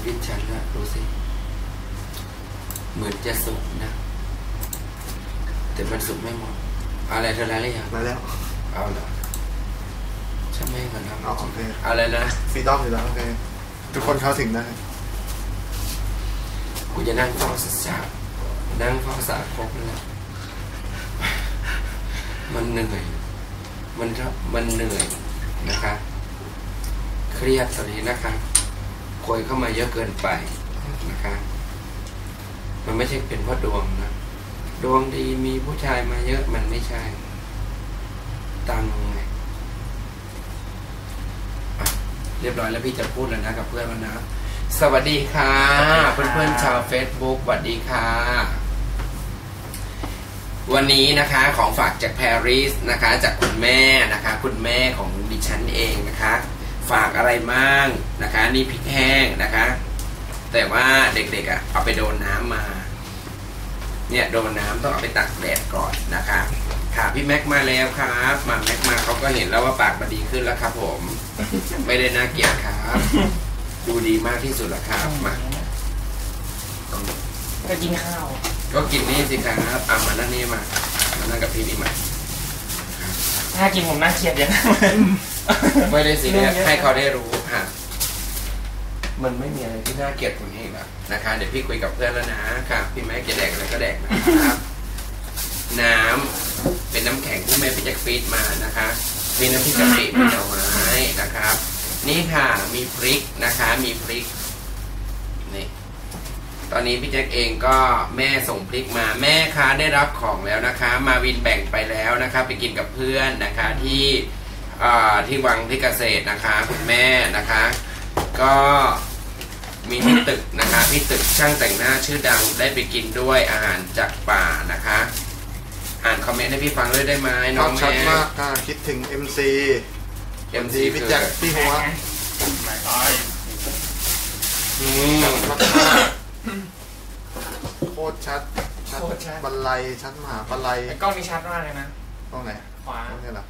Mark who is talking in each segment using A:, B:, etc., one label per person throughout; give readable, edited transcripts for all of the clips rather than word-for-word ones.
A: ดิฉันนะดูสิเหมือนจะสุกนะแต่มันสุกไม่หมดอะไรเธอแล้วหรือยัง
B: มาแล้ว
A: เอาเหรอใช่ไหมกันนะ
B: โอเค
A: อะไรนะ
B: ฟรีดอมอยู่แล้วโอเคทุกคนเข้าถึงได้
A: กูจะนั่งเฝ้าสัจจะนั่งเฝ้าสาครบนั่นแหละมันเหนื่อยมันเหนื่อยนะคะเครียดตอนนี้นะคะคนเข้ามาเยอะเกินไปนะคะมันไม่ใช่เป็นเพราะดวงนะดวงดีมีผู้ชายมาเยอะมันไม่ใช่ตังไงเรียบร้อยแล้วพี่จะพูดแล้วนะกับเพื่อนแล้วนะสวัสดีค่ะเพื่อนๆชาว Facebook สวัสดีค่ะวันนี้นะคะของฝากจากปารีสนะคะจากคุณแม่นะคะคุณแม่ของดิฉันเองนะคะฝากอะไรบ้างนะคะนี่พริกแห้งนะคะแต่ว่าเด็กๆเอาไปโดนน้ำมาเนี่ยโดนน้ำต้องเอาไปตักแดดก่อนนะคะค่ะพี่แม็กมาแล้วครับมาแม็กมาเขาก็เห็นแล้วว่าปากมันดีขึ้นแล้วครับผมไม่ได้น่าเกลียดครับดูดีมากที่สุดแล้วครับมา
C: ก็กินข้าว
A: ก็กินนี่สิครับมานั่งนี่มานั่งกับพี่นี่มา
C: ถ้ากินผมน่าเกลียดอย่างนั้น
A: ไม่ได้สิเนี่ยให้เขาได้รู้ค่ะมันไม่มีอะไรที่น่าเกลียดกว่านี้แล้วนะคะเดี๋ยวพี่คุยกับเพื่อนแล้วนะค่ะพี่แม่จะแดกอะไรก็แดกนะครับน้ำเป็นน้ำแข็งที่แม่พี่แจ็คฟีดมานะคะมีน้ำพริกกะปิมีหน่อไม้นะครับนี่ค่ะมีพริกนะคะมีพริกนี่ตอนนี้พี่แจ็คเองก็แม่ส่งพริกมาแม่คะได้รับของแล้วนะคะมาวินแบ่งไปแล้วนะคะไปกินกับเพื่อนนะคะที่วังที่เกษตรนะคะคุณแม่นะคะก็มีที่ตึกนะคะที่ตึกช่างแต่งหน้าชื่อดังได้ไปกินด้วยอาหารจากป่านะคะอ่านคอมเมนต์ให้พี่ฟังด้วยได้ไหมน้องแม่
B: ชัดมากคิดถึง MC พี่แจ็คพี่หัวโคตรชัดบันไลชัดมหาบันไล
C: กล้องนี้ชัดมากเลยนะ
B: กล้องไหน
C: ขวา
B: นี่หรอ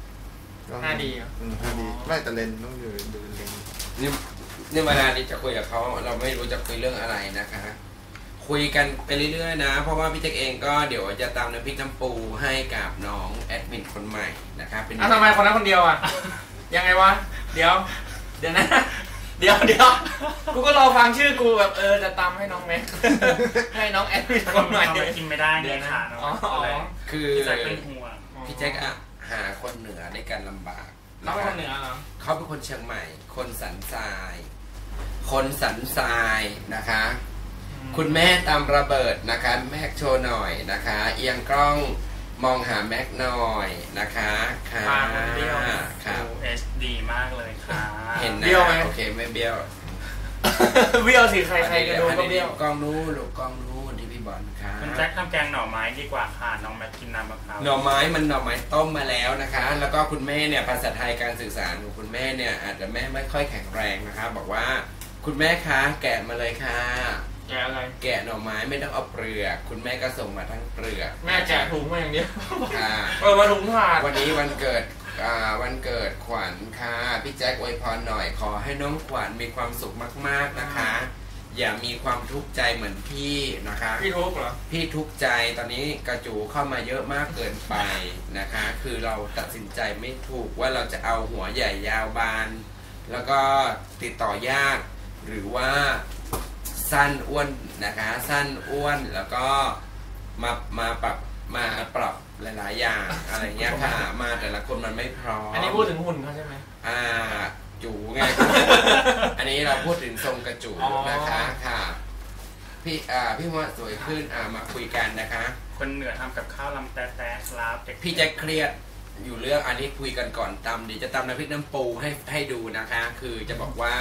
C: 5D
B: 5D ไม่แต่เลนต้องอยู่ดูเลน
A: นี่เวลานี้จะคุยกับเขาเราไม่รู้จะคุยเรื่องอะไรนะคะคุยกันไปเรื่อยๆนะเพราะว่าพี่แจ็คเองก็เดี๋ยวจะตามน้ำพริกน้ำปูให้กับน้องแอดมินคนใหม่นะครับเป็น
C: ทำไมคนนั้นคนเดียวยังไงวะเดี๋ยวนะเดี๋ยวกูก็รอฟังชื่อกูแบบจะตามให้น้องแม็กให้น้องแอดมินคนใหม่
D: กินไม่ได้เนี่ยค่ะน้อง
A: คือ
D: พี่แจ็คเป็นห่วง
A: พี่แจ็คหาคนเหนือในการลำบาก
C: เขาเป็นคนเหนือเหรอ
A: เขาเป็นคนเชียงใหม่คนสันทรายนะคะคุณแม่ตามระเบิดนะคะแม็กโชว์หน่อยนะคะเอียงกล้องมองหาแม็กหน่อยนะคะค่ะ
D: ค่ะ HD มากเลยค่ะ
A: เห็นนะเบี้ยวไหมโอเคไม่เบี้ยว
C: เบี้ยวสิใครก็ดูก็เบี้ยว
A: กล้องนู้นลูกกล้องนู้นที่พี่บอลค่ะ
D: คุณแจ็คทำแกงหน่อไม้ดีกว่าค่ะน้องแม็กกินน้ำมะพร้าว
A: หน่อไม้มันหน่อไม้ต้มมาแล้วนะคะแล้วก็คุณแม่เนี่ยภาษาไทยการสื่อสารของคุณแม่เนี่ยอาจจะไม่ค่อยแข็งแรงนะคะบอกว่าคุณแม่คะแกะมาเลยค่ะ
C: แกะอะไร
A: แกะหน่อไม้ไม่ต้องเอาเปลือกคุณแม่ก็ส่งมาทั้งเปลือก
C: แม่แกะถุงมาอย่างเดียว
A: ค่ะ
C: มาถุงผ่าน
A: วันนี้วันเกิดขวัญค่ะพี่แจ็คอวยพรหน่อยขอให้น้องขวัญมีความสุขมากๆนะคะอย่ามีความทุกข์ใจเหมือนพี่นะคะ
C: พี่ทุกข์เหรอ
A: พี่ทุกข์ใจตอนนี้กระจูเข้ามาเยอะมากเกินไปนะคะคือเราตัดสินใจไม่ถูกว่าเราจะเอาหัวใหญ่ยาวบานแล้วก็ติดต่อยากหรือว่าสั้นอ้วนนะคะสั้นอ้วนแล้วก็มาปรับหลายๆอย่างอะไรเงี้ยค่ะมาแต่ละคนมันไม่พร้อม
C: อันนี้พูดถึงหุ่นเขาใช่ไหม
A: จูไง อันนี้เราพูดถึงทรงกระจูนะคะค่ะพี่ว่าสวยขึ้นมาคุยกันนะคะ
D: คนเหนือทำกับข้าวลำแต่ครับ
A: พี่จะเครียดอยู่เรื่องอันนี้คุยกันก่อนตำเดี๋ยวจะตำน้ำพริกน้ำปูให้ดูนะคะคือจะบอกว่า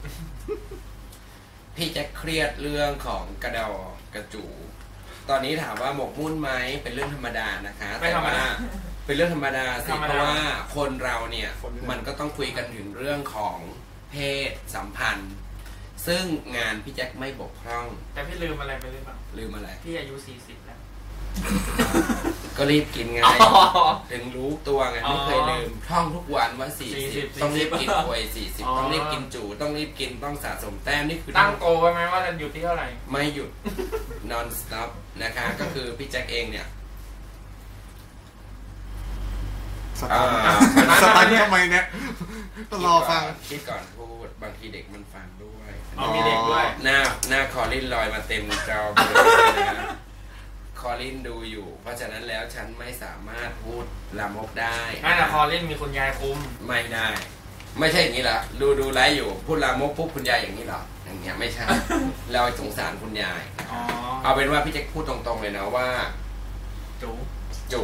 A: พี่จะเครียดเรื่องของกระจูตอนนี้ถามว่าหมกมุ่นไหมเป็นเรื่องธรรมดานะคะแต่ว่าเป็นเรื่องธรรมดาสิเพราะว่าคนเราเนี่ยมันก็ต้องคุยกันถึงเรื่องของเพศสัมพันธ์ซึ่งงานพี่แจ็คไม่บกพร่อง
C: แต่พี่ลืมอะไรไปหรือเปล่า
A: ลืมอะไร
C: พี่อายุ40แล้ว
A: ก็รีบกินไงถึงรู้ตัวไงไม่เคยลืมท่องทุกวันว่า40ต้องรีบกินกล้วย40ต้องรีบกินจูต้องรีบกินต้องสะสมแต้มนี่คือ
C: ตั้งโกไว้ไหมว่าจะหยุดที่เท่าไหร่
A: ไม่หยุด non stop นะคะก็คือพี่แจ็คเองเนี่ย
B: สตันทำไมเนี่ยต้องรอฟัง
A: คิดก่อนพูดบางทีเด็กมันฟังด้วย
C: มีเด็กด้วย
A: หน้าคอลินลอยมาเต็มจอเลยนะคอลินดูอยู่เพราะฉะนั้นแล้วฉันไม่สามารถพูดลามกได้
C: ไม่แต่คอลินมีคุณยายคุม
A: ไม่ได้ไม่ใช่อย่างนี้หรอดูไลฟ์อยู่พูดลามกปุ๊บคุณยายอย่างนี้หรออย่างเงี้ยไม่ใช่เราสงสารคุณยายเอาเป็นว่าพี่แจ็คพูดตรงๆเลยนะว่าจูจู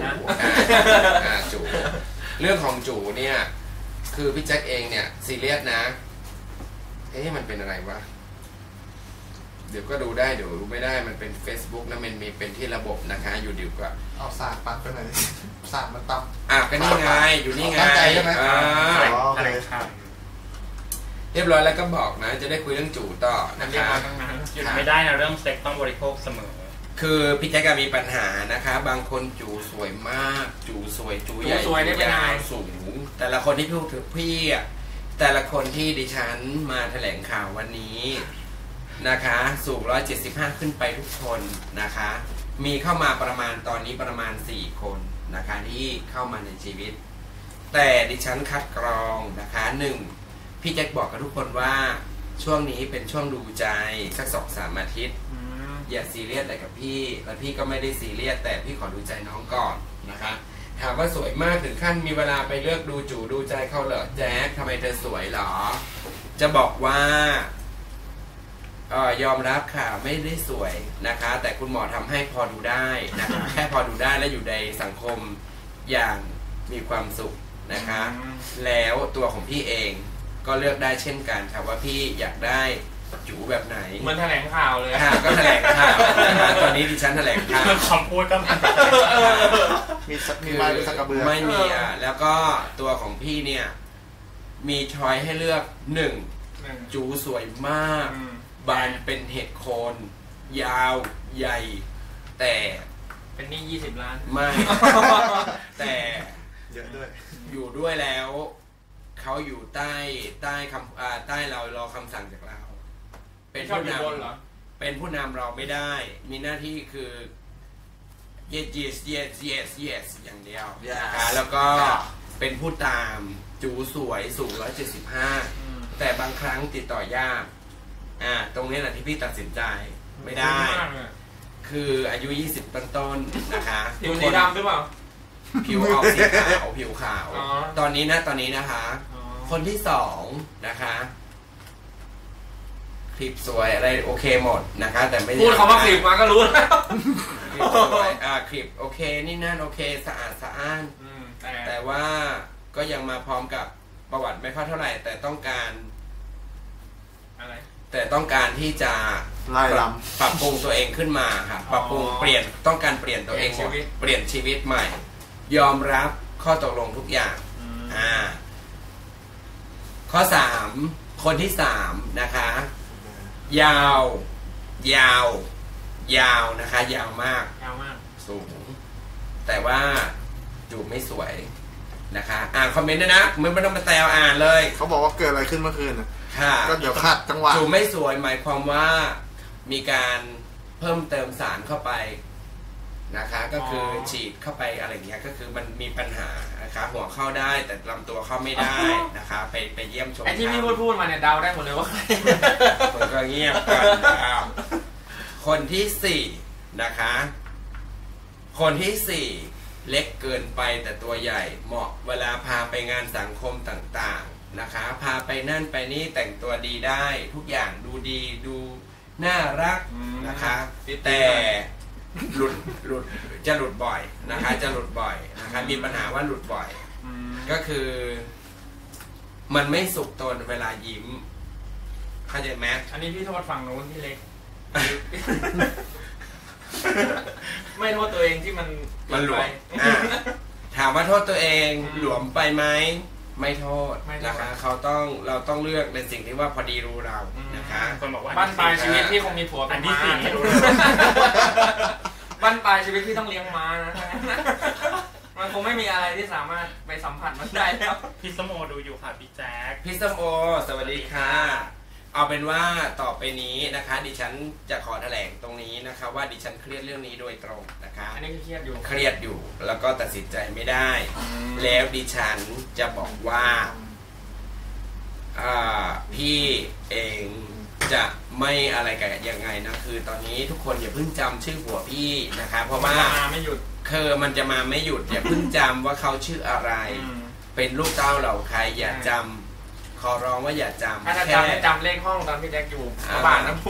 A: เรื่องของจูเนี่ยคือพี่แจ็คเองเนี่ยซีเรียสนะมันเป็นอะไรวะเดี๋ยวก็ดูได้เดี๋ยวรู้ไม่ได้มันเป็น Facebook นะมันมีเป็นที่ระบบนะคะอยู่ดีกว่า
B: เอาสากปัดไปหน่อยสากมันต่
A: ำก็นี่ไงอยู่นี่ไงตั้งใจใช่ไหม
D: อะไรครับ
A: เรียบร้อยแล้วก็บอกนะจะได้คุยเรื่องจูต่อนะคะ
D: หยุดไม่ได้นะเรื่องเซ็กต้องบริโภคเสมอ
A: คือพี่แจ๊กมีปัญหานะคะบางคนจูสวยมากจูสวยจูใหญ่ยาวสูงแต่ละคนที่พูดถึงพี่แต่ละคนที่ดิฉันมาแถลงข่าววันนี้นะคะสูง175ขึ้นไปทุกคนนะคะมีเข้ามาประมาณตอนนี้ประมาณ4คนนะคะที่เข้ามาในชีวิตแต่ดิฉันคัดกรองนะคะ1พี่แจ็คบอกกับทุกคนว่าช่วงนี้เป็นช่วงดูใจสัก 2-3 อาทิตย์อย่าซีเรียสอะไรกับพี่และพี่ก็ไม่ได้ซีเรียสแต่พี่ขอดูใจน้องก่อนนะคะถามว่าสวยมากถึงขั้นมีเวลาไปเลือกดูจูดูใจเขาเหรอแจ๊คทำไมเธอสวยหรอจะบอกว่ายอมรับค่ะไม่ได้สวยนะคะแต่คุณหมอทำให้พอดูได้นะคะแค่พอดูได้และอยู่ในสังคมอย่างมีความสุขนะคะแล้วตัวของพี่เองก็เลือกได้เช่นกันค่ะว่าพี่อยากได้จูแบบไหน
C: เหมือนแถลงข่าวเลย
A: ค่ะก็แถลงข่าวนะคะตอนนี้ดิฉันแถลงข่าว
D: คำพูดก็
B: มีไม้หรือสักกระเบือ
A: ไม่มีแล้วก็ตัวของพี่เนี่ยมีช้อยให้เลือก1จูสวยมากบานเป็นเห็ดโคนยาวใหญ่แต่
C: เป็นนี่20 ล้าน
A: ไม่แต่
B: เยอะด้วย
A: อยู่ด้วยแล้วเขาอยู่ใต้คำใต้เรารอคำสั่งจากเราเป็นผู้นำเป็นผู้นำเราไม่ได้มีหน้าที่คือ yes อย่างเดียวนะคะแล้วก็เป็นผู้ตามจูสวยสูง175แต่บางครั้งติดต่อยากตรงนี้แหละที่พี่ตัดสินใจไม่ได้คืออายุ20ต้นๆนะคะ
C: ผิวสีดำหรือเปล่า
A: ผิวออกสีขาวผิวขาวตอนนี้นะคะคนที่2นะคะคลิปสวยอะไรโอเคหมดนะคะแต่ไม่
C: พูดคำว่าคลิปมาก็รู้แล้ว
A: คลิปสวยคลิปโอเคนี่นั่นโอเคสะอาดสะอ้านแต่ว่าก็ยังมาพร้อมกับประวัติไม่ค่อยเท่าไหร่แต่ต้องการ
C: อะไร
A: แต่ต้องการที่จะปรับปรุงตัวเองขึ้นมาค่ะปรับปรุงเปลี่ยนต้องการเปลี่ยนตัวเองเปลี่ยนชีวิตใหม่ยอมรับข้อตกลงทุกอย่างข้อ3คนที่3นะคะยาวนะคะยาวมากสูงแต่ว่าจูบไม่สวยนะคะคอมเมนต์ด้วยนะไม่ต้องมาแซวเลย
B: เขาบอกว่าเกิดอะไรขึ้นเมื่อคืนก็เดี๋ยวขัดจังหวะ
A: จูบไม่สวยหมายความว่ามีการเพิ่มเติมสารเข้าไปนะคะก็คือฉีดเข้าไปอะไรอย่างเงี้ยก็คือมันมีปัญหานะคะหัวเข้าได้แต่ลำตัวเข้าไม่ได้นะคะไปเยี่ยมชม
C: ไอ้ที่พี่พูดมาเนี่ยเดาได้หมดเลยว่าใคร
A: ผมก็เงียบกันคนที่4นะคะคนที่4เล็กเกินไปแต่ตัวใหญ่เหมาะเวลาพาไปงานสังคมต่างๆนะคะพาไปนั่นไปนี่แต่งตัวดีได้ทุกอย่างดูดีดูน่ารักนะคะแต่หลุดจะหลุดบ่อยนะคะจะหลุดบ่อยนะคะมีปัญหาว่าหลุดบ่อยก็คือมันไม่สุกตนเวลายิ้มเข้าใจไหม
C: อันนี้พี่โทษฝั่งโน้นที่เล็กไม่โทษตัวเองที่มัน
A: หลวมถามว่าโทษตัวเองหลวมไปไหมไม่โทษนะคะเราต้องเลือกในสิ่งที่ว่าพอดีรู้เรานะคะ
C: คนบอกว่าบ้านปลายชีวิตพี่คงมีผัวเป็นม้าบ้านปลายชีวิตที่ต้องเลี้ยงม้านะ มันคงไม่มีอะไรที่สามารถไปสัมผัสมันได้แล้ว
D: พี่สมโอดูอยู่ค่ะพี่แจ๊ค
A: พี่ส้มโอสวัสดีค่ะเอาเป็นว่าต่อไปนี้นะคะ ดิฉันจะขอแถลงตรงนี้นะคะว่าดิฉันเครียดเรื่องนี้โดยตรงนะคะ
C: อันนี้เครียดอยู่
A: เครียดอยู่แล้วก็ตัดสินใจไม่ได้ แล้วดิฉันจะบอกว่าพี่เองจะไม่อะไรกันยังไงนะคือตอนนี้ทุกคนอย่าเพิ่งจำชื่อผัวพี่นะคะเพราะว่า
C: มาไม่หยุด
A: คือมันจะมาไม่หยุดอย่าเพิ่งจำว่าเขาชื่ออะไร เป็นลูกเต้าเหล่าใครอย่าจำขอร้องว่าอย่าจำ
C: ถ้าจะจำให้จำเลขห้องตอนพี่แจ็คอยู่บาทน้ำพุ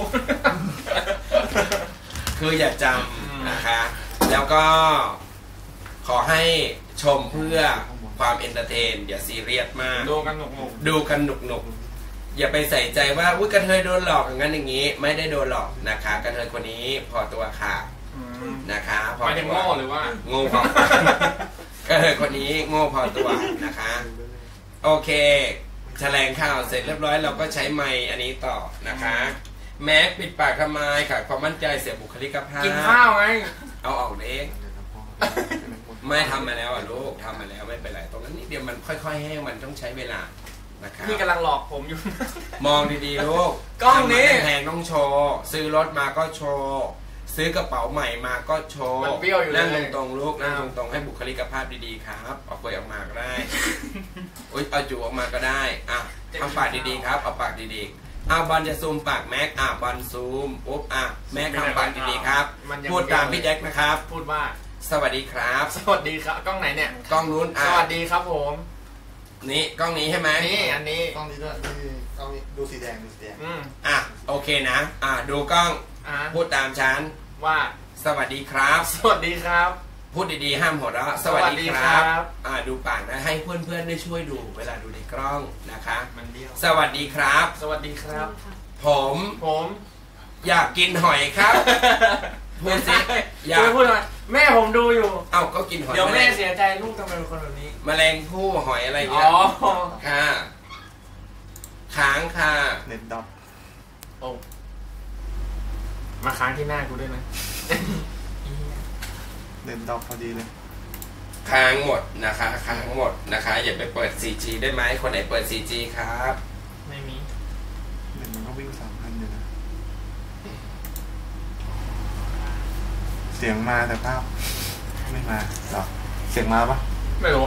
A: คืออย่าจำนะคะ แล้วก็ขอให้ชมเพื่อความเอนเตอร์เทนอย่าซีเรียสมาก
C: ดูกันหนุก
A: ดูกันหนุกๆอย่าไปใส่ใจว่าอุ้ยกระเทยโดนหลอกอย่างนั้นอย่างนี้ ไม่ได้โดนหลอกนะคะกระเทยคนนี้พอตัวค่ะนะคะพอ
C: ไม่ได้
A: ตัว
C: โง่หรือว่า
A: โง่พอ กระเทยคนนี้โง่พอตัวนะคะ โอเคแถลงข่าวเสร็จเรียบร้อยเราก็ใช้ไมค์อันนี้ต่อนะคะ แม็กปิดปากทำไมขาดความมั่นใจเสียบุคลิกภาพ
C: กินข้าวไง
A: เอาออกเองไม่ทำมาแล้วอ่ะลูกทำมาแล้วไม่เป็นไรตรงนั้นนิดเดียวมันค่อยๆแห้งมันต้องใช้เวลานะครับ
C: พี่กำลังหลอกผมอยู่
A: มองดีๆลูก
C: กล้องนี้
A: ทำมาแพงๆต้องโชว์ซื้อรถมาก็โชว์ซื้อกระเป๋าใหม่มาก็โชว์
C: มันเบี้ยวอยู่เลย
A: นั่งตรงๆลูกนั่งตรงๆให้บุคลิกภาพดีๆครับเอาเปลือยออกมาก็ได้ อุ๊ยเอาจูออกมาก็ได้อ่ะทำปากดีๆครับเอาปากดีๆบอลจะซูมปากแม็กบอลซูมปุ๊บแม็กทำปากดีๆครับพูดตามพี่แจ็คนะครับ
C: พูดว่า
A: สวัสดีครับ
C: สวัสดีครับกล้องไหนเนี่ย
A: กล้องนู้น
C: สวัสดีครับผม
A: นี่กล้องนี้ใช่ไหม
C: นี่อันนี้
B: กล้องนี้ด้วยนี่กล้องนี้ดูสีแดงดูสีแดง
A: โอเคนะดูกล้อง พูดตามฉัน
C: ว่า
A: สวัสดีครับ
C: สวัสดีครับ
A: พูดดีๆห้ามหัวเราะสวัสดีครับดูปากนะให้เพื่อนๆได้ช่วยดูเวลาดูในกล้องนะคะ
C: มันเดียว
A: สวัสดีครับ
C: สวัสดีครับ
A: ผม อยากกินหอยครับพูดสิอยาก
C: พูดทำไมแม่ผมดูอยู่
A: ก็กินหอย
C: เดี๋ยวแม่เสียใจลูกทำไมเป็นคนแบบนี้
A: แมลงผู้หอยอะไรอย่าง
C: อ๋
A: เงี้
C: อย
A: ค่ะค้างค่ะ
B: เน็ตดอท
C: โอ้มาค้างที่หน้ากูด้วยนะ
B: เน็ตดอทพอดีเลย
A: ค้างหมดนะคะค้างหมดนะคะอย่าไปเปิด 4G ได้ไหมคนไหนเปิด 4G ครับ
C: ไม่มี
B: เน็ตมันก็วิ่ง3,000อยู่นะเสียงมาแต่ภาพไม่มาหรอเสียงมาปะ
C: ไม่รู้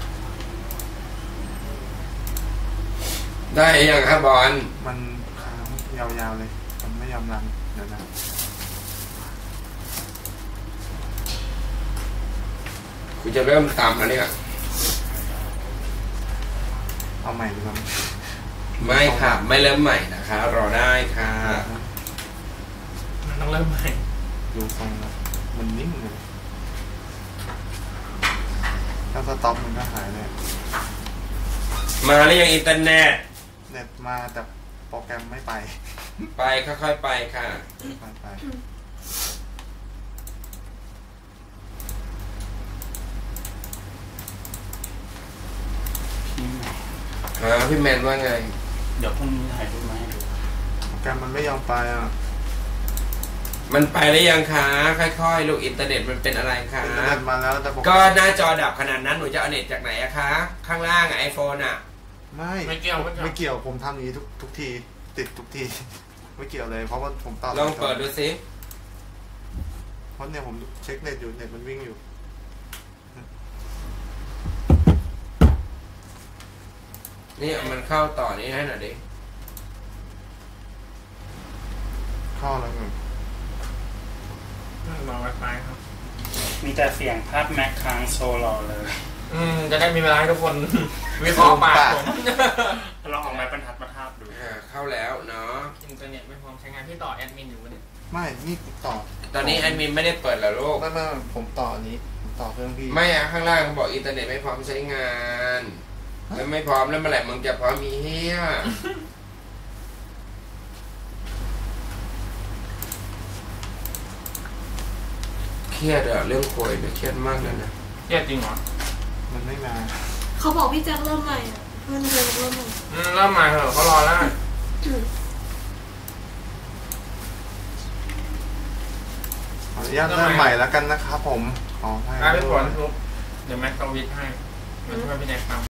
A: ได้ยังครับบอล
B: มันค้างยาวๆเลยมันไม่ยอมรันเดี๋ยวนะ
A: คุณจะเริ่มตามแล้วเนี่ย
B: เอาใหม่ดีกว่า
A: ไม่ค่ะไม่เริ่มใหม่นะคะรอได้ค่ะ
C: มันต้องเริ่มใหม่
B: ดูทรงแล้วมันนิ่งเลยถ้าสต็อปมันก็หายเลย
A: มาหรือยังอินเทอร์เน็ต
B: เน็ตมาแต่โปรแกรมไม่ไป
A: ไปค่อยๆไปค่ะ
B: ไป
A: พี่แมนว่าไง
D: เดี๋ยวพรุ่งนี้ถ่ายรูปมาให้ดู
B: โปรแกรมมันไม่ยอมไปอ่ะ
A: มันไปได้ยังคะค่อยๆลูกอินเทอร์เน็ตมันเป็นอะไรคะ
B: อินเทอร์เน็ตมาแล้วแต่โปรแกรม
A: ก็หน้าจอดับขนาดนั้นหนูจะเอาเน็ตจากไหนอะคะข้างล่างไอโฟนอะ
B: ไม่เกี่ยวผมทำอย่างนี้ทุกทีติดทุกที ไม่เกี่ยวเลยเพราะว่าผมต่อ
A: ลองเปิดดูสิ
B: เพราะเนี่ยผมเช็คเน็ตอยู่เน็ตมันวิ่งอยู่
A: นี่เอามันเข้าต่อนี้ให้หน่อยดิ
B: เข้าแล้วไง
C: รอไวไฟครับ
D: มีแต่เสียงภาพแม็กค้างโซลอเลย
C: จะได้มีเวลาให้ทุกคน วิเคราะห์ปากผม
D: ลองเอาไม้บรรทัดมาทาบดู
A: เข้าแล้วเนาะ
C: อินเทอร์เน็ตไม่พร้อมใช้งานที่ต่อแอดมินอยู่เนี่ย
B: ไม่นี่ต่อ
A: ตอนนี้แอดมินไม่ได้เปิดแล้วลูก
B: ไม่ผมต่ออันนี้ผมต่อเครื่องพี่
A: ไม่อะข้างล่างเขาบอกอินเทอร์เน็ตไม่พร้อมใช้งานแล้วไม่พร้อมแล้วเมื่อไหร่มึงจะพร้อมมีเฮียเครียดอะเรื่องโควิดเนี่ยเครียดมากเลยนะ
C: เครียดจริงเหรอ
B: มันไม่มา
E: เขาบอกพี่แจ็คเริ่มใหม่อ่ะเพื่อนเคยบอกเริ่มใหม่
C: เริ่มมาเถอะเขารอแล้ว
B: ขออนุญาตเริ่มใหม่แล้วกันนะครับผมขอให้
C: ไปผลทุกเดี๋ยวแม็กซ์วิทให้มาช่วยพี่แน็กทำ